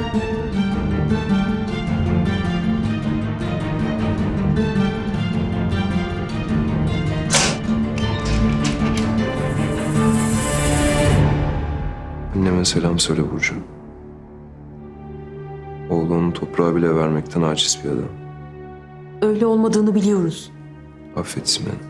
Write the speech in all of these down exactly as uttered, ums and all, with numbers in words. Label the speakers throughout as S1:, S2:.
S1: Anneme selam söyle Burcu. Oğlunu toprağa bile vermekten aciz bir adam.
S2: Öyle olmadığını biliyoruz.
S1: Affetsin beni.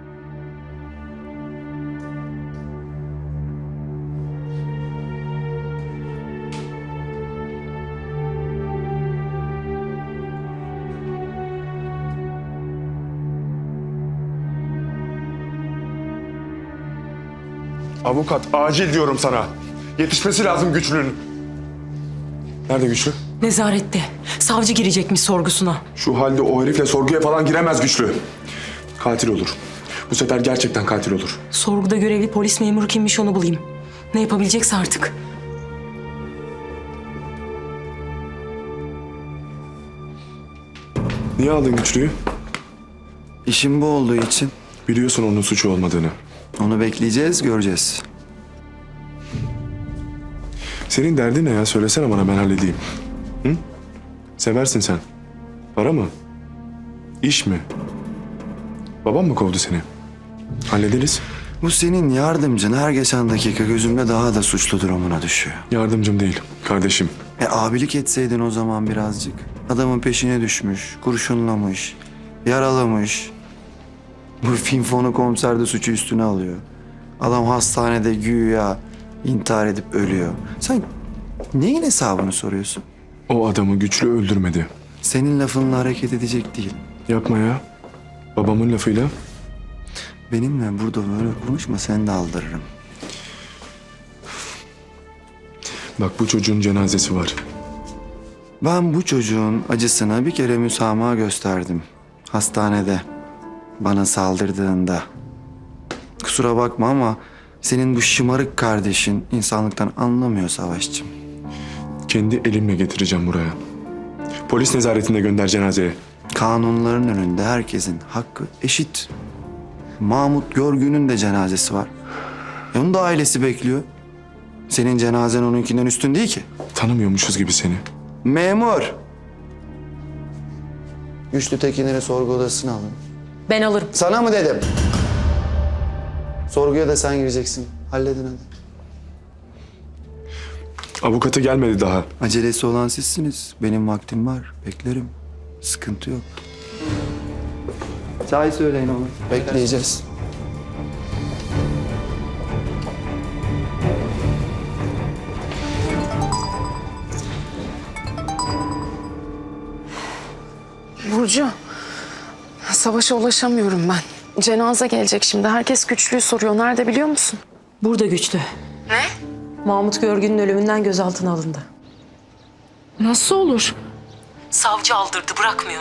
S3: Avukat, acil diyorum sana. Yetişmesi lazım Güçlü'nün. Nerede Güçlü?
S2: Nezarette. Savcı girecekmiş sorgusuna.
S3: Şu halde o herifle sorguya falan giremez Güçlü. Katil olur. Bu sefer gerçekten katil olur.
S2: Sorguda görevli polis memuru kimmiş onu bulayım. Ne yapabilecekse artık.
S3: Niye aldın Güçlü'yü?
S4: İşim bu olduğu için
S3: Biliyorsun onun suçu olmadığını.
S4: onu bekleyeceğiz, göreceğiz.
S3: Senin derdin ne ya? Söylesene bana, ben halledeyim. Hı? Seversin sen. Para mı? İş mi? Babam mı kovdu seni? Hallederiz.
S4: Bu senin yardımcın her geçen dakika gözümde daha da suçlu durumuna düşüyor.
S3: Yardımcım değil, kardeşim.
S4: E abilik etseydin o zaman birazcık. Adamın peşine düşmüş, kurşunlamış, yaralamış. Bu finfonu komiser de suçu üstüne alıyor. Adam hastanede güya intihar edip ölüyor. Sen neyin hesabını soruyorsun?
S3: O adamı Güçlü öldürmedi.
S4: Senin lafınla hareket edecek değil.
S3: Yapma ya. Babamın lafıyla.
S4: Benimle burada böyle konuşma, seni de aldırırım.
S3: Bak, bu çocuğun cenazesi var.
S4: Ben bu çocuğun acısına bir kere müsamaha gösterdim. Hastanede. Bana saldırdığında. Kusura bakma ama senin bu şımarık kardeşin insanlıktan anlamıyor Savaşçım.
S3: Kendi elimle getireceğim buraya. Polis nezaretinde gönder cenazeye.
S4: Kanunların önünde herkesin hakkı eşit. Mahmut Görgün'ün de cenazesi var. E onun da ailesi bekliyor. Senin cenazen onunkinden üstün değil ki.
S3: Tanımıyormuşuz gibi seni.
S4: Memur. Güçlü Tekinleri sorgu odasına alın.
S2: Ben alırım.
S4: Sana mı dedim? Sorguya da sen gireceksin. Halledin hadi.
S3: Avukatı gelmedi daha.
S4: Acelesi olan sizsiniz. Benim vaktim var. Beklerim. Sıkıntı yok. Çay söyleyin ona. Bekleyeceğiz.
S5: Burcu, Savaş'a ulaşamıyorum ben. Cenaze gelecek şimdi. Herkes Güçlü'yü soruyor. Nerede biliyor musun?
S2: Burada Güçlü.
S5: Ne?
S2: Mahmut Görgün'ün ölümünden gözaltına alındı.
S5: Nasıl olur?
S2: Savcı aldırdı, bırakmıyor.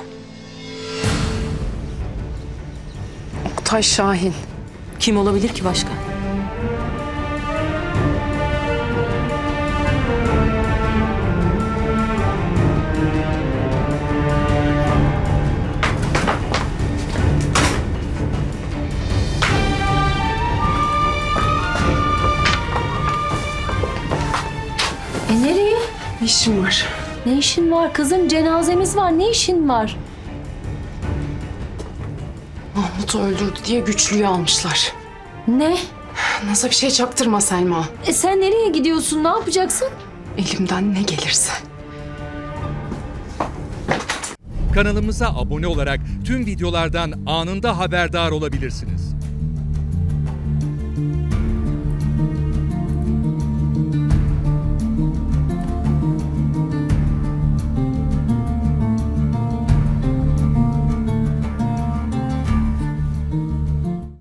S5: Oktay Şahin.
S2: Kim olabilir ki başka?
S6: E nereye?
S5: Ne işin var?
S6: Ne işin var kızım? Cenazemiz var. Ne işin var?
S5: Mahmut'u öldürdü diye Güçlü'yü almışlar.
S6: Ne?
S5: Nasıl bir şey çaktırma Selma.
S6: E sen nereye gidiyorsun? Ne yapacaksın?
S5: Elimden ne gelirse.
S7: Kanalımıza abone olarak tüm videolardan anında haberdar olabilirsiniz.